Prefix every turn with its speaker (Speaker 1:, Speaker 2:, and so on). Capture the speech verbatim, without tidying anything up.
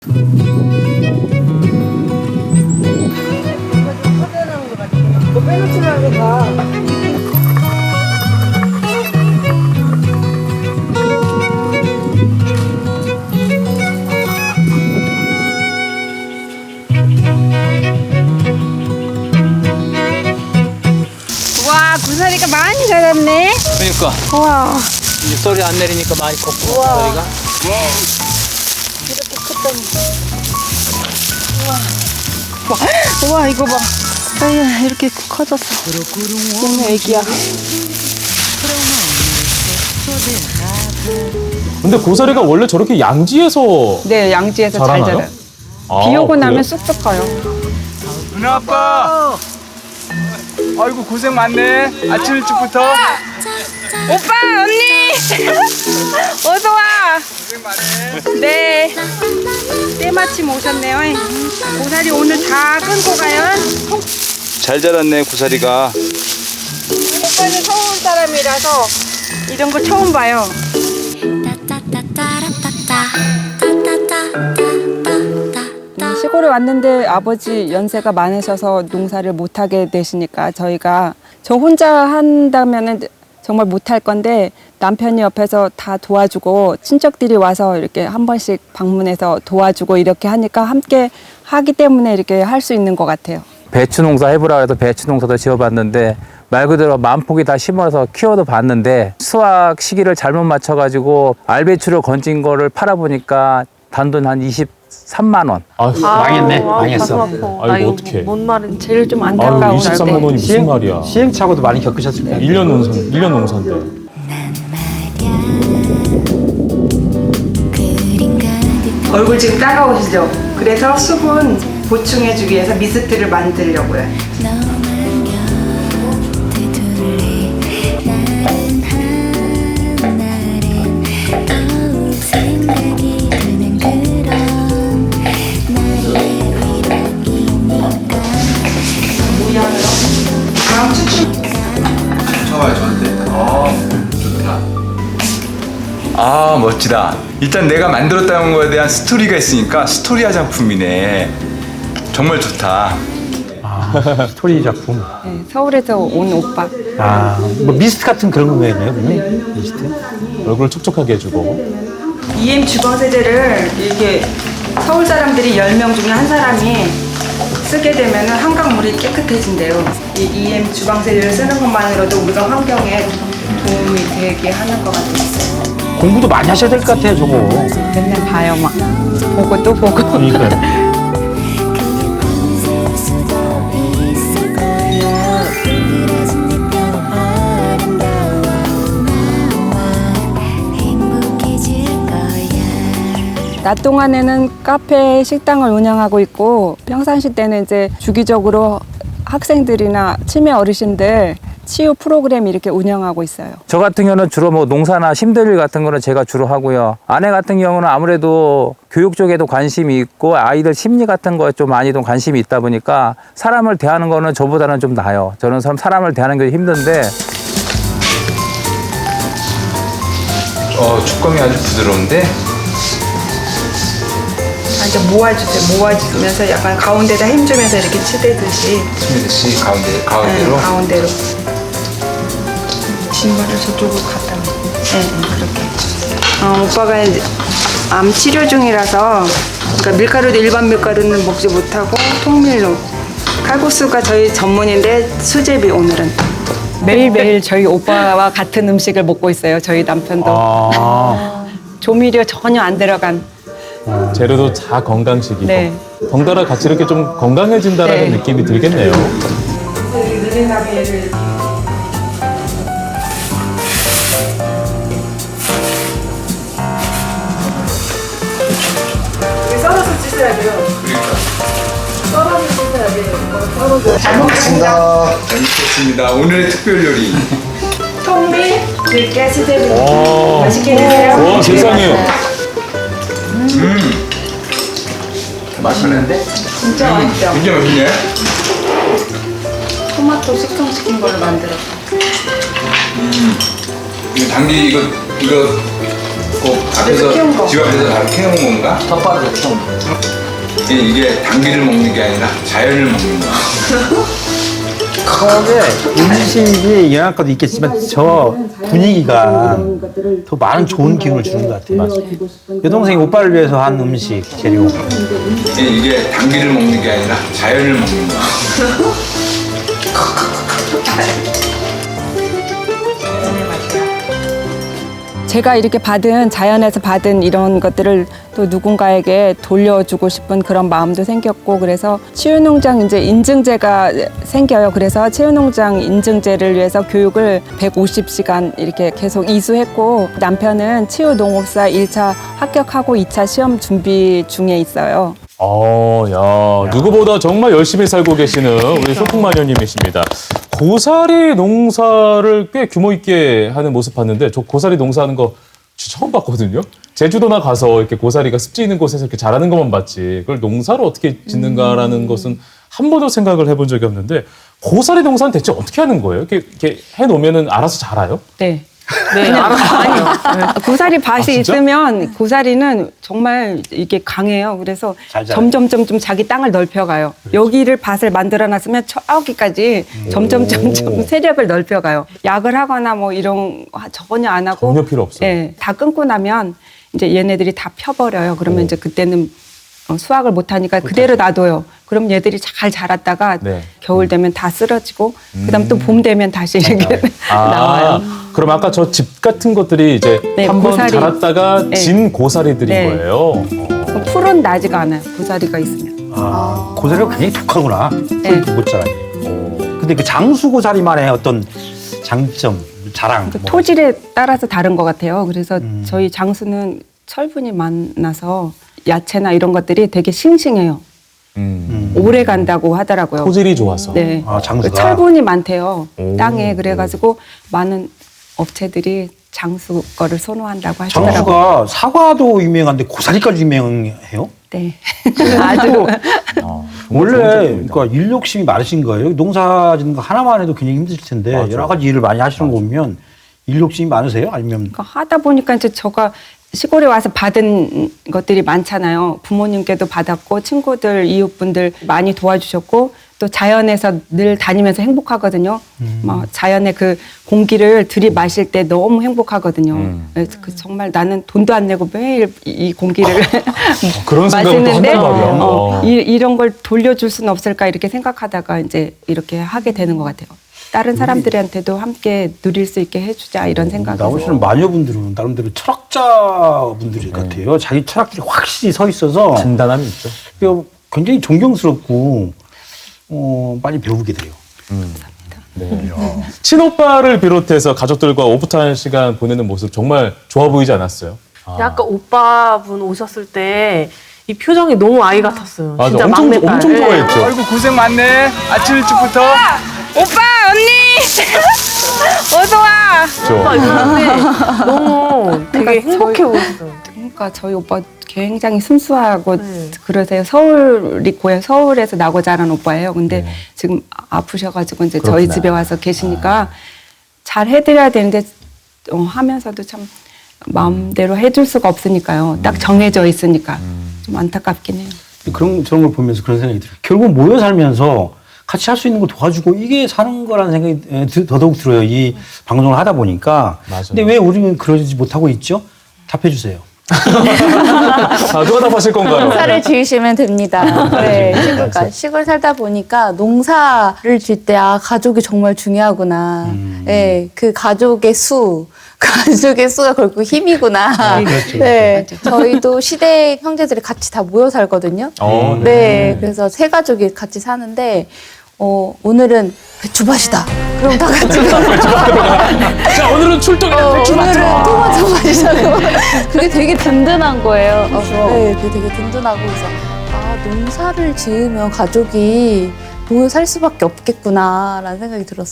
Speaker 1: 너 빼놓지 말고 가. 와, 고사리가 많이 자랐네.
Speaker 2: 그러니까
Speaker 1: 와,
Speaker 2: 입소리 안 내리니까 많이 컸고
Speaker 1: 우와.
Speaker 2: 저희가
Speaker 1: 이렇게 컸다니. 우와, 우와, 이거 봐. 아유, 이렇게 커졌어. 너무 애기야.
Speaker 3: 근데 고사리가 원래 저렇게 양지에서
Speaker 1: 네, 양지에서 잘
Speaker 3: 자라나요?
Speaker 1: 자라요.
Speaker 3: 아,
Speaker 1: 비 오고
Speaker 3: 그래요?
Speaker 1: 나면 쑥쑥 커요.
Speaker 4: 누나 아빠. 아이고 고생 많네. 아침 일찍부터.
Speaker 1: 오빠, 언니! 어서 와!
Speaker 4: 고생 많네.
Speaker 1: 네. 때마침 오셨네요. 고사리 오늘 다 끊고 가요.
Speaker 4: 잘 자랐네 고사리가.
Speaker 1: 오빠는 서울 사람이라서 이런 거 처음 봐요. 음, 시골에 왔는데 아버지 연세가 많으셔서 농사를 못하게 되시니까 저희가 저 혼자 한다면은 정말 못할 건데 남편이 옆에서 다 도와주고 친척들이 와서 이렇게 한 번씩 방문해서 도와주고 이렇게 하니까 함께 하기 때문에 이렇게 할 수 있는 것 같아요.
Speaker 5: 배추 농사 해보라 해서 배추 농사도 지어봤는데 말 그대로 만폭이 다 심어서 키워도 봤는데 수확 시기를 잘못 맞춰가지고 알배추를 건진 거를 팔아보니까 단돈 한 이십삼만 원.
Speaker 3: 아,
Speaker 2: 망했네. 망했어.
Speaker 3: 아이고 어떡해.
Speaker 1: 뭔 말은 제일 좀
Speaker 3: 아유,
Speaker 1: 안타까운
Speaker 3: 이십삼만 원이 무슨 말이야.
Speaker 2: 시행착오도 많이 겪으셨을 거예요.
Speaker 3: 일 년 농사, 일 년 농사인데.
Speaker 1: 얼굴 지금 따가우시죠? 그래서 수분 보충해주기 위해서 미스트를 만들려고요. 다음 추출.
Speaker 4: 좋아요 저한테. 어 좋다. 아 멋지다. 일단 내가 만들었다는 거에 대한 스토리가 있으니까 스토리 화장품이네. 정말 좋다.
Speaker 2: 스토리 작품.
Speaker 1: 네, 서울에서 온 오빠.
Speaker 2: 아, 뭐 미스트 같은 그런 거겠네요, 그냥? 미스트?
Speaker 3: 얼굴을 촉촉하게 해주고.
Speaker 1: 이엠 주방세제를 이렇게 서울 사람들이 열 명 중에 한 사람이 쓰게 되면 한강물이 깨끗해진대요. 이 이엠 주방세제를 쓰는 것만으로도 우리가 환경에 도움이 되게 하는 것 같았어요.
Speaker 2: 공부도 많이 하셔야 될 것 같아요, 저거.
Speaker 1: 맨날 봐요, 막. 보고 또 보고.
Speaker 2: 그러니까요.
Speaker 1: 낮 동안에는 카페, 식당을 운영하고 있고 평상시 때는 이제 주기적으로 학생들이나 치매 어르신들 치유 프로그램 이렇게 운영하고 있어요.
Speaker 5: 저 같은 경우는 주로 뭐 농사나 힘들 일 같은 거는 제가 주로 하고요. 아내 같은 경우는 아무래도 교육 쪽에도 관심이 있고 아이들 심리 같은 거에 좀 많이 좀 관심이 있다 보니까 사람을 대하는 거는 저보다는 좀 나아요. 저는 사람을 대하는 게 힘든데
Speaker 4: 어 촉감이 아주 부드러운데.
Speaker 1: 완전 모아주세요. 모아주면서 약간 가운데다 힘주면서 이렇게 치대듯이.
Speaker 4: 스미듯이 가운데
Speaker 1: 네,
Speaker 4: 가운데로.
Speaker 1: 가운데로. 신발을 저쪽으로 갖다 놓고. 네, 네, 그렇게. 어, 오빠가 이제 암 치료 중이라서 그러니까 밀가루도 일반 밀가루는 먹지 못하고 통밀로. 칼국수가 저희 전문인데 수제비 오늘은. 매일매일 저희 오빠와 같은 음식을 먹고 있어요. 저희 남편도.
Speaker 2: 아.
Speaker 1: 조미료 전혀 안 들어간.
Speaker 3: 재료도 다 건강식이고.
Speaker 1: 네.
Speaker 3: 덩달아 같이 이렇게 좀 건강해진다라는
Speaker 1: 네.
Speaker 3: 느낌이 들겠네요.
Speaker 1: 느린나비를 썰어서 씻어야 돼요.
Speaker 4: 그러니까.
Speaker 1: 썰어서 씻어야 돼요. 썰어서.
Speaker 4: 잘 먹겠습니다. 잘 먹겠습니다. 오늘의 특별 요리.
Speaker 1: 통밀, 들깨, 수제비.
Speaker 3: 와.
Speaker 1: 맛있게 드세요.
Speaker 3: 와, 세상에.
Speaker 4: 음. 맛있는데?
Speaker 1: 진짜 맛있죠?
Speaker 4: 진짜 맛있네.
Speaker 1: 토마토 숙성시킨 걸로 만들었어.
Speaker 4: 이거 당기 이거 이거 꼭 앞에서 집 앞에서 바로 캐온 건가?
Speaker 2: 텃밭에서 키운 거.
Speaker 4: 이게, 이게 당귀를 먹는 게 아니라 자연을 먹는 거야.
Speaker 2: 그게 음식이 영양가도 있겠지만 저 분위기가 더 많은 좋은 기운을 주는 것 같아요. 여동생이 오빠를 위해서 한 음식 재료.
Speaker 4: 이게, 이게 당귀를 먹는 게 아니라 자연을 먹는 거야.
Speaker 1: 제가 이렇게 받은 자연에서 받은 이런 것들을 또 누군가에게 돌려주고 싶은 그런 마음도 생겼고 그래서 치유농장 이제 인증제가 생겨요. 그래서 치유농장 인증제를 위해서 교육을 백오십 시간 이렇게 계속 이수했고 남편은 치유농업사 일 차 합격하고 이 차 시험 준비 중에 있어요.
Speaker 3: 어, 야, 누구보다 정말 열심히 살고 계시는 우리 소풍마녀님이십니다. 고사리 농사를 꽤 규모 있게 하는 모습 봤는데 저 고사리 농사하는 거 진짜 처음 봤거든요. 제주도나 가서 이렇게 고사리가 습지 있는 곳에서 이렇게 자라는 것만 봤지 그걸 농사를 어떻게 짓는가라는 것은 한 번도 생각을 해본 적이 없는데 고사리 농사는 대체 어떻게 하는 거예요? 이렇게, 이렇게 해놓으면 알아서 자라요?
Speaker 1: 네. 네, 아니, 고사리 밭이
Speaker 3: 아, 진짜?
Speaker 1: 있으면 고사리는 정말 이게 강해요. 그래서
Speaker 2: 잘 자라요.
Speaker 1: 점점 점점 자기 땅을 넓혀가요. 여기를 밭을 만들어놨으면 저기까지 점점 점점 세력을 넓혀가요. 약을 하거나 뭐 이런 거 전혀 안 하고
Speaker 3: 전혀 필요 없어요.
Speaker 1: 예, 다 끊고 나면 이제 얘네들이 다 펴버려요. 그러면
Speaker 3: 오.
Speaker 1: 이제 그때는 어, 수확을 못하니까 그대로 놔둬요. 그럼 얘들이 잘 자랐다가
Speaker 3: 네.
Speaker 1: 겨울 되면 다 쓰러지고 그다음 또 봄 되면 다시 이렇게
Speaker 3: 아,
Speaker 1: 나와요.
Speaker 3: 그럼 아까 저 집 같은 것들이 이제
Speaker 1: 네,
Speaker 3: 한번
Speaker 1: 고사리.
Speaker 3: 자랐다가
Speaker 1: 네.
Speaker 3: 진 고사리들인
Speaker 1: 네.
Speaker 3: 거예요.
Speaker 1: 그럼 풀은 나지가 않아요. 고사리가 있으면.
Speaker 2: 아, 고사리가 굉장히 독하구나.
Speaker 1: 네.
Speaker 2: 못 자라네. 근데 그 장수 고사리만의 어떤 장점, 자랑.
Speaker 1: 그
Speaker 2: 뭐.
Speaker 1: 토질에 따라서 다른 것 같아요. 그래서
Speaker 2: 음.
Speaker 1: 저희 장수는 철분이 많아서 야채나 이런 것들이 되게 싱싱해요.
Speaker 3: 음.
Speaker 1: 오래 간다고 하더라고요.
Speaker 3: 토질이 좋아서.
Speaker 1: 네.
Speaker 2: 아, 장수가.
Speaker 1: 그 철분이 많대요.
Speaker 3: 오.
Speaker 1: 땅에. 그래가지고 많은 업체들이 장수 거를 선호한다고 하시더라고요.
Speaker 2: 장수가 사과도 유명한데 고사리까지 유명해요?
Speaker 1: 네.
Speaker 2: 아주
Speaker 3: 아, 정말 좋은
Speaker 2: 원래
Speaker 3: 제품입니다.
Speaker 2: 그러니까 일 욕심이 많으신 거예요. 농사 짓는 거 하나만 해도 굉장히 힘드실 텐데
Speaker 3: 맞아.
Speaker 2: 여러 가지 일을 많이 하시는 거 보면 일 욕심이 많으세요? 아니면
Speaker 1: 그러니까 하다 보니까 이제 제가 시골에 와서 받은 것들이 많잖아요. 부모님께도 받았고 친구들, 이웃분들 많이 도와주셨고 또 자연에서 늘 다니면서 행복하거든요.
Speaker 2: 음.
Speaker 1: 뭐 자연의 그 공기를 들이마실 때 너무 행복하거든요.
Speaker 3: 음.
Speaker 1: 그래서 그 정말 나는 돈도 안 내고 매일 이- 이 공기를
Speaker 3: 그런 생각을 또
Speaker 1: 마시는데
Speaker 3: 한단 말이야.
Speaker 1: 어,
Speaker 3: 어.
Speaker 1: 이, 이런 걸 돌려줄 수는 없을까 이렇게 생각하다가 이제 이렇게 하게 되는 것 같아요. 다른 사람들한테도 함께 누릴 수 있게 해주자 이런 생각에서.
Speaker 2: 나오시는 마녀분들은 나름대로 철학자분들 같아요. 자기 철학들이 확실히 서 있어서
Speaker 3: 진단함이 있죠.
Speaker 2: 그게 굉장히 존경스럽고 어, 많이 배우게 돼요.
Speaker 3: 네. 친오빠를 비롯해서 가족들과 오붓한 시간 보내는 모습 정말 좋아 보이지 않았어요? 아.
Speaker 6: 아까 오빠분 오셨을 때 이 표정이 너무 아이 같았어요.
Speaker 3: 맞아,
Speaker 6: 진짜
Speaker 3: 엄청,
Speaker 6: 막내딸.
Speaker 3: 엄청
Speaker 6: 네.
Speaker 3: 좋아했죠.
Speaker 7: 아이고 고생 많네. 아침 일찍부터.
Speaker 1: 오빠 언니 어서 와.
Speaker 6: 오빠 있는데 너무 되게
Speaker 1: 그러니까
Speaker 6: 행복해
Speaker 1: 저희-
Speaker 6: 보였어요.
Speaker 1: 그러니까 저희 오빠 굉장히 순수하고
Speaker 6: 네.
Speaker 1: 그러세요. 서울이 고향 서울에서 나고 자란 오빠예요. 근데
Speaker 3: 네.
Speaker 1: 지금 아프셔가지고 이제
Speaker 3: 그렇구나.
Speaker 1: 저희 집에 와서 계시니까 잘 해드려야 되는데 어, 하면서도 참 마음대로 해줄 수가 없으니까요. 딱 정해져 있으니까 좀 안타깝긴 해요.
Speaker 2: 그런 저런 걸 보면서 그런 생각이 들어요. 결국 모여 살면서 같이 할 수 있는 거 도와주고 이게 사는 거라는 생각이 에, 드- 더더욱 들어요. 이 방송을 하다 보니까.
Speaker 3: 맞아요.
Speaker 2: 근데 왜 우리는 그러지 못하고 있죠? 답해 주세요.
Speaker 3: 아, 누가 답하실 건가요?
Speaker 8: 농사를 지으시면 됩니다. 네, 시골, 시골 살다 보니까 농사를 질 때 아, 가족이 정말 중요하구나.
Speaker 2: 음.
Speaker 8: 네, 그 가족의 수, 가족의 수가 결국 힘이구나.
Speaker 2: 그렇죠,
Speaker 8: 네, 저희도 시댁 형제들이 같이 다 모여 살거든요.
Speaker 3: 어, 네.
Speaker 8: 네, 그래서 세 가족이 같이 사는데 어, 오늘은 배추밭이다. 그럼 다 같이
Speaker 3: 자, 오늘은 출동이다.
Speaker 8: 어,
Speaker 3: 배추
Speaker 8: 오늘은
Speaker 3: 맞죠?
Speaker 8: 토마토 맛이라고. 그게 되게 든든한 거예요. 어, 네, 그게 되게 든든하고 그래서 아 농사를 지으면 가족이 모여 살 수밖에 없겠구나라는 생각이 들었어요.